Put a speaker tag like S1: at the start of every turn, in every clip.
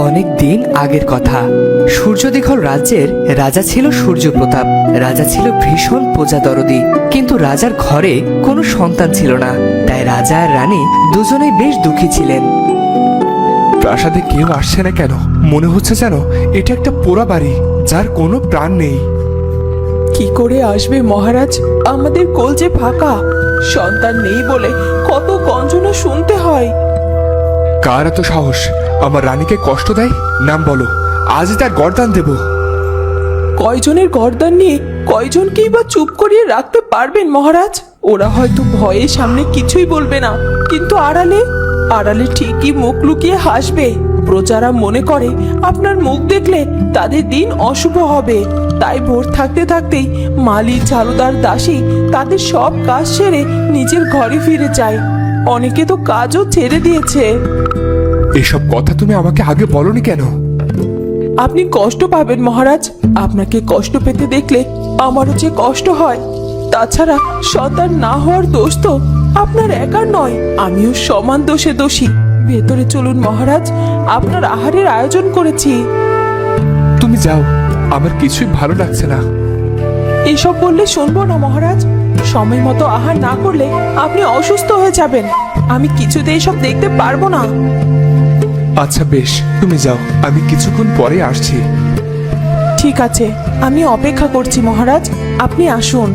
S1: অনেক দিন আগের কথা। সূর্যদীঘল রাজ্যের রাজা ছিল সূর্যপ্রতাপ। রাজা ছিল ভীষণ প্রজাদরদি, কিন্তু রাজার ঘরে কোনো সন্তান ছিল না। তাই রাজা আর রানী দুজনেই বেশ দুঃখী ছিলেন।
S2: প্রাসাদে কেউ আসছে না কেন? মনে হচ্ছে যেন এটা একটা পোড়া বাড়ি, যার কোনো প্রাণ নেই।
S3: কি করে আসবে মহারাজ? আমাদের কোল যে ফাঁকা, সন্তান নেই বলে কত গঞ্জনা শুনতে হয়।
S2: কার এত সাহস আমার রানীকে কষ্ট দেয়? নাম বলো, আজই তার গর্দান দেব।
S3: কয়জনের গর্দান নিয়ে কয়জনকেই বা চুপ করিয়ে রাখতে পারবেন মহারাজ? ওরা হয়তো ভয়ে সামনে কিছুই বলবে না, কিন্তু আড়ালে আড়ালে ঠিকই মুখ লুকিয়ে হাসবে। প্রজারা মনে করে আপনার মুখ দেখলে তাদের দিন অশুভ হবে। তাই ভোর থাকতে থাকতেই মালি, ঝাড়ুদার, দাসী তাদের সব কাজ সেরে নিজের ঘরে ফিরে যায়। অনেকে তো কাজও ছেড়ে দিয়েছে।
S2: এসব কথা তুমি আমাকে আগে বলনি কেন?
S3: আপনি কষ্ট পাবেন মহারাজ। আপনাকে কষ্ট পেতে দেখলে আমারও যে কষ্ট হয়। তাছাড়া সন্তান না হওয়ার দোষ তো আপনার একার নয়, আমিও সমান দোষে দোষী। ভেতরে চলুন মহারাজ, আপনার আহারের আয়োজন করেছি।
S2: তুমি যাও, আমার কিছুই ভালো লাগছে না।
S3: এসব বললে শুনবো না মহারাজ। সময় মতো আহার না করলে আপনি অসুস্থ হয়ে যাবেন। আমি কিছুতে এসব দেখতে পারবো না।
S2: আচ্ছা বেশ, তুমি যাও, আমি কিছুক্ষণ পরে আসছি।
S3: ঠিক আছে, আমি অপেক্ষা করছি মহারাজ, আপনি আসুন।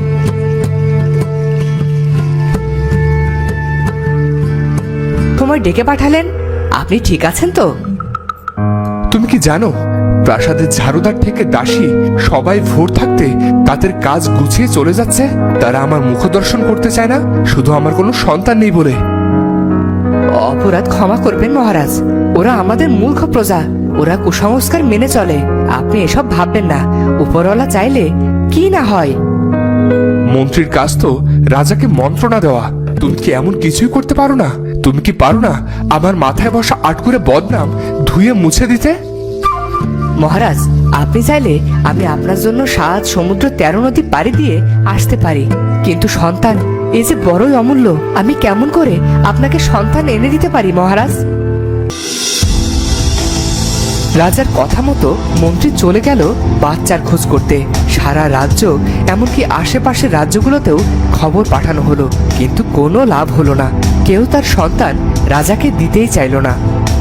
S1: তোমায় ডেকে পাঠালেন, আপনি ঠিক আছেন তো?
S2: তুমি কি জানো, প্রাসাদের ঝাড়ুদার থেকে দাসী সবাই ভোর থাকতে তাদের কাজ গুছিয়ে চলে যাচ্ছে। তারা আমার মুখ দর্শন করতে চায় না, শুধু আমার কোনো সন্তান নেই বলে।
S1: অপরাধ ক্ষমা করবেন মহারাজ, ওরা আমাদের মূর্খ প্রজা, ওরা কুসংস্কার মেনে চলে। আপনি এসব ভাববেন না, উপরওয়ালা চাইলে কি না হয়।
S2: মন্ত্রীর কাজ তো রাজাকে মন্ত্রণা দেওয়া। তুমি কি এমন কিছুই করতে পারো না? তুমি কি পারো না আমার মাথায় বসা আটকুরে বদনাম ধুয়ে মুছে দিতে?
S1: মহারাজ, আপনি চাইলে আমি আপনার জন্য 7 সমুদ্র 13 নদী পাড়ি দিয়ে আসতে পারি, কিন্তু সন্তান এই যে বড়ই অমূল্য। আমি কেমন করে আপনাকে সন্তান এনে দিতে পারি মহারাজ? রাজার কথা মতো মন্ত্রী চলে গেল বাচ্চার খোঁজ করতে। সারা রাজ্য, এমনকি আশেপাশের রাজ্যগুলোতেও খবর পাঠানো হলো, কিন্তু কোনো লাভ হলো না। কেউ তার সন্তান রাজাকে দিতেই চাইল না।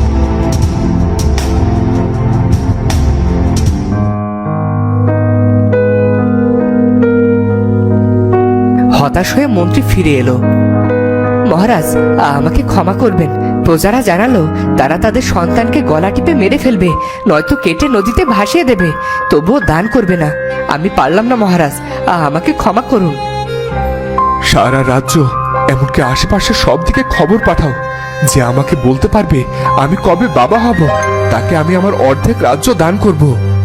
S1: হতাশ হয়ে মন্ত্রী ফিরে এলো। মহারাজ, আমাকে ক্ষমা করবেন। প্রজারা জানালো তারা তাদের সন্তানকে গলা টিপে মেরে ফেলবে, নয়তো কেটে নদীতে ভাসিয়ে দেবে। তবুও দান করবে না। আমি পারলাম না মহারাজ, আমাকে ক্ষমা করুন।
S2: সারা রাজ্য, এমনকি আশেপাশে সব দিকে খবর পাঠাও, যে আমাকে বলতে পারবে আমি কবে বাবা হব, তাকে আমি আমার অর্ধেক রাজ্য দান করব।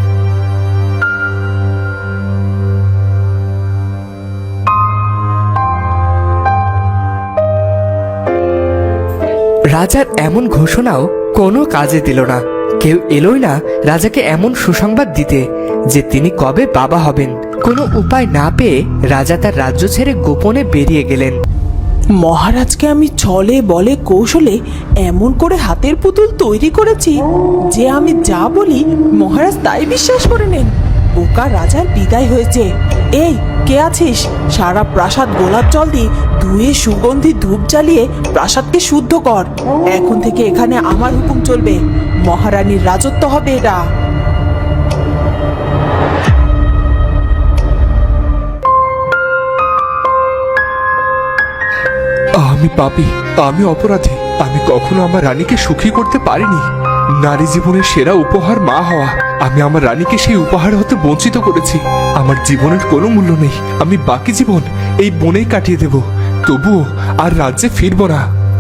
S1: রাজার এমন ঘোষণাও কোনো কাজে দিল না। কেউ এলোই না রাজাকে এমন সুসংবাদ দিতে যে তিনি কবে বাবা হবেন। কোনো উপায় না পেয়ে রাজা তার রাজ্য ছেড়ে গোপনে বেরিয়ে গেলেন।
S3: মহারাজকে আমি ছলে বলে কৌশলে এমন করে হাতের পুতুল তৈরি করেছি যে আমি যা বলি মহারাজ তাই বিশ্বাস করে নেন। বোকা রাজার বিদায় হয়েছে। এই, কে আছিস? সারা প্রাসাদ গোলাপ জল দিয়ে ধুয়ে সুগন্ধি ধূপ জ্বালিয়ে প্রাসাদকে শুদ্ধ কর। এখন থেকে এখানে আমার হুকুম চলবে, মহারানীর রাজত্ব হবে এটা।
S2: আমি পাপী, আমি অপরাধী। আমি কখনো আমার রানীকে সুখী করতে পারিনি। নারী জীবনের সেরা উপহার মা হওয়া, আমি আমার রানীকে সেই উপহার হতে বঞ্চিত করেছি। আমার জীবনের কোনো মূল্য নেই। আমি বাকি জীবন এই বনেই কাটিয়ে দেব, তবুও আর রাজ্যে ফিরব না।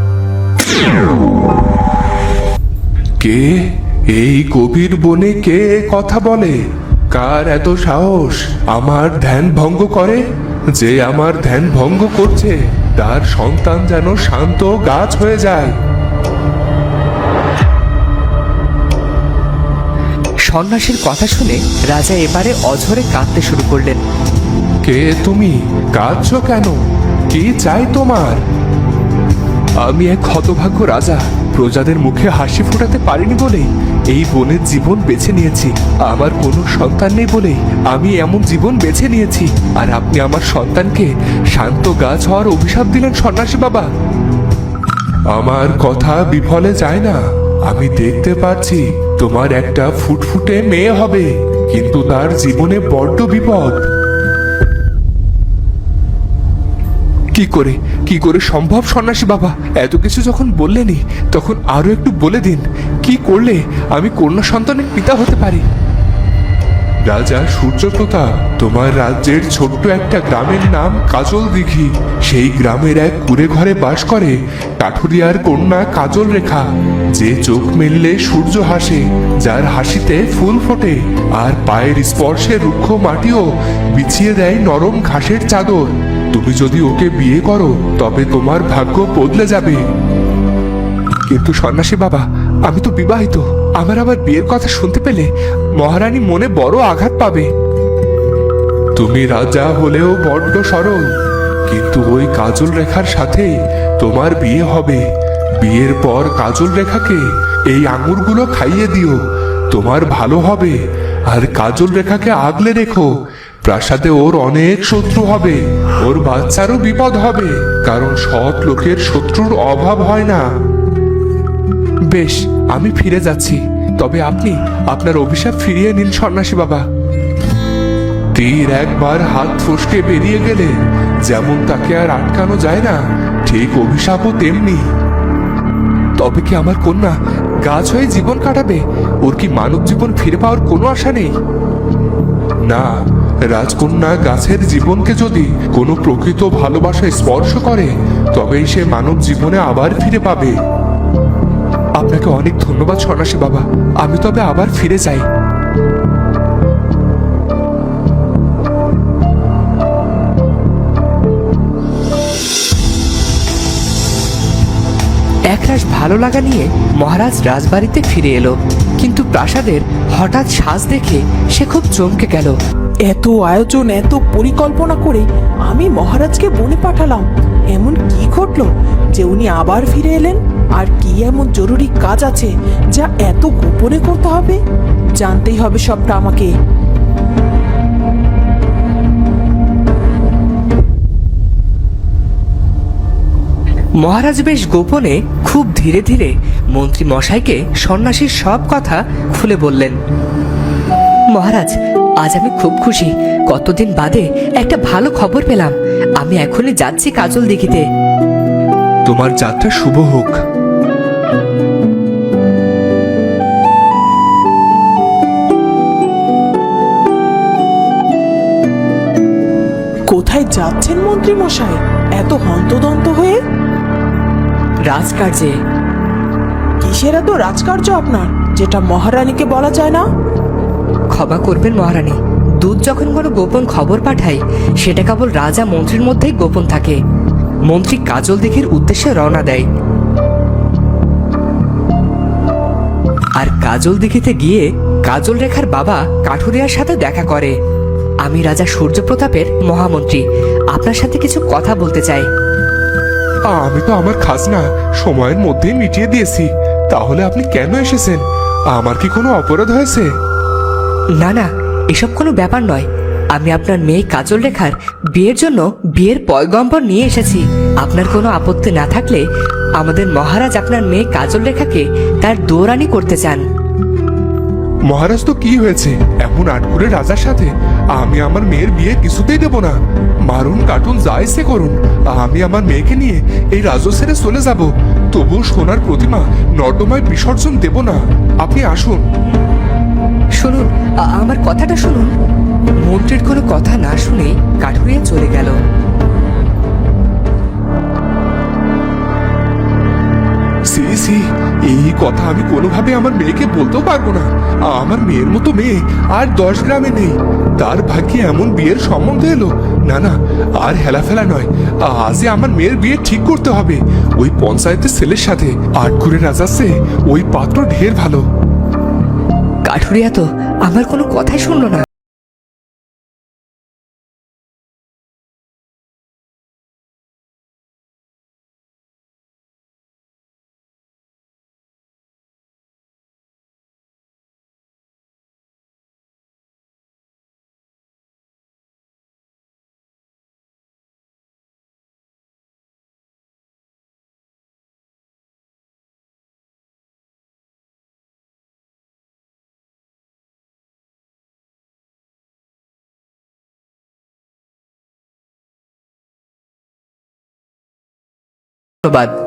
S2: কে এই গভীর বনে কে কথা বলে? কার এত সাহস আমার ধ্যান ভঙ্গ করে? যে আমার ধ্যান ভঙ্গ করছে তার সন্তান যেন শান্ত গাছ হয়ে যায়।
S1: সন্ন্যাসীর কথা শুনে রাজা এবারে অঝরে কাঁদতে শুরু করলেন।
S2: কে তুমি? কাঁদছ কেন? কি চাই তোমার? আমি এক হতভাগ্য রাজা, প্রজাদের মুখে হাসি ফোটাতে পারিনি বলেই এই বনের জীবন বেছে নিয়েছি। আমার কোনো সন্তান নেই বলেই আমি এমন জীবন বেছে নিয়েছি। আর আপনি আমার সন্তানকে শান্ত গাছ হওয়ার অভিশাপ দিলেন সন্ন্যাসী বাবা। আমার কথা বিফলে যায় না। আমি দেখতে পাচ্ছি তোমার একটা ফুটফুটে মেয়ে হবে, কিন্তু তার জীবনে বড্ড বিপদ। কি করে সম্ভব সন্ন্যাসী বাবা? এত কিছু যখন বললেনই তখন আরো একটু বলে দিন, কি করলে আমি কন্যা সন্তানের পিতা হতে পারি? রাজা সূর্যপ্রতাপ, তোমার রাজ্যের ছোট্ট একটা গ্রামের নাম কাজল দিঘি। সেই গ্রামের এক কুঁড়ে ঘরে বাস করে কাঠুরিয়ার কন্যা কাজল রেখা, যে চোখ মেললে সূর্য হাসে, যার হাসিতে ফুল ফোটে, আর পায়ের স্পর্শে রুক্ষ মাটিও বিছিয়ে দেয় নরম ঘাসের চাদর। তুমি যদি ওকে বিয়ে করো তবে তোমার ভাগ্য বদলে যাবে। কিন্তু সন্ন্যাসী বাবা, আমি তো বিবাহিত। আমার আবার বিয়ের কথা শুনতে পেলে মহারানী মনে বড় আঘাত পাবে। তুমি রাজা হলেও বড্ড সরল, কিন্তু ওই কাজল রেখার সাথেই তোমার বিয়ে হবে। বিয়ের পর কাজল রেখাকে এই আঙুরগুলো খাইয়ে দিও, তোমার ভালো হবে। আর কাজল রেখাকে আগলে রেখো। প্রাসাদে ওর অনেক শত্রু হবে, ওর বাচ্চারও বিপদ হবে, কারণ সৎ লোকের শত্রুর অভাব হয় না। বেশ, আমি ফিরে যাচ্ছি। তবে আপনি আপনার অভিশাপ ফিরিয়ে নিন সন্ন্যাসী বাবা। তীর একবার হাত ফসকে বেরিয়ে গেলে যেমন তাকে আর আটকানো যায় না, ঠিক অভিশাপও তেমনি। তবে কি আমার কন্যা গাছ হয়ে জীবন কাটাবে? ওর কি মানব জীবন ফিরে পাওয়ার কোনো আশা নেই? না, রাজকন্যা গাছের জীবনকে যদি কোনো প্রকৃত ভালোবাসা স্পর্শ করে তবেই সে মানব জীবনে আবার ফিরে পাবে। আপনাকে অনেক ধন্যবাদ সন্ন্যাসী বাবা। আমি তবে আবার ফিরে যাই।
S1: একরাশ ভালো লাগা নিয়ে মহারাজ রাজবাড়িতে ফিরে এলো, কিন্তু প্রাসাদের হঠাৎ সাজ দেখে সে খুব চমকে গেল।
S3: এত আয়োজন, এত পরিকল্পনা করে আমি মহারাজকে বনে পাঠালাম, এমন কি ঘটলো যে উনি আবার ফিরে এলেন? আর কি এমন জরুরি কাজ আছে যা এত গোপনে করতে হবে? জানতেই হবে সবটা আমাকে।
S1: মহারাজ বেশ গোপনে খুব ধীরে ধীরে মন্ত্রী মশাইকে সন্ন্যাসীর সব কথা খুলে বললেন। মহারাজ, আজ আমি খুব খুশি। কতদিন বাদে একটা ভালো খবর পেলাম। আমি এখনই যাচ্ছি কাজল দিঘিতে।
S2: তোমার যাত্রা শুভ হোক।
S3: কোথায় যাচ্ছেন মন্ত্রী মশাই এত হন্তদন্ত হয়ে?
S1: রাজকার্যে।
S3: কিসের এত রাজকার্য আপনার, যেটা মহারানীকে বলা যায় না?
S1: ক্ষমা করবেন মহারানী, দূত যখন কোনো গোপন খবর পাঠায় সেটা কেবল রাজা মন্ত্রীর মধ্যেই গোপন থাকে। মন্ত্রী কাজল দিঘির উদ্দেশ্যে রওনা দেয়, আর কাজল দিঘিতে গিয়ে কাজল রেখার বাবা কাঠুরিয়ার সাথে দেখা করে। আমি রাজা সূর্যপ্রতাপের মহামন্ত্রী, আপনার সাথে কিছু কথা বলতে চাই।
S2: আমি তো আমার খাজনা সময়ের মধ্যেই মিটিয়ে দিয়েছি, তাহলে আপনি কেন এসেছেন? আমার কি কোনো অপরাধ হয়েছে?
S1: না না, এসব কোনো ব্যাপার নয়। আমি আপনার মেয়ে কাজল রেখার বিয়ের জন্য বিয়ের পয়গম্বর নিয়ে এসেছি। আপনার কোনো আপত্তি না থাকলে আমাদের মহারাজ আপনার মেয়ে কাজল রেখাকে তার দৌরানি করতে চান।
S2: মহারাজ তো কি হয়েছে এমন আটকুরে রাজার সাথে? আমি আমার মেয়ের বিয়ে কিছুতেই দেব না। মারুন কাটুন যা ইচ্ছে করুন, আমি আমার মেয়েকে নিয়ে এই রাজ্য ছেড়ে চলে যাব। তবু সোনার প্রতিমা নর্দমায় বিসর্জন দেব না। আপনি আসুন।
S1: শুনুন, আমার কথাটা শুনুন। মন্ত্রীর কোনো কথা না শুনে কাঠুরিয়া চলে গেল।
S2: সি সি, এই কথা আমি কোনোভাবে আমার মেয়েকে বলতেও পারবো না। আমার মেয়ের মতো মেয়ে আর 10 গ্রামে নেই। তার ভাগ্যে এমন বিয়ের সম্বন্ধ এলো। না না, আর হেলাফেলা নয়, আজই আমার মেয়ের বিয়ে ঠিক করতে হবে ওই পঞ্চায়েতের ছেলের সাথে। আটঘুরে রাজাচ্ছে ওই পাত্র ঢের ভালো।
S1: কাঠুরিয়া তো আমার কোনো কথাই শুনলো না। ধন্যবাদ।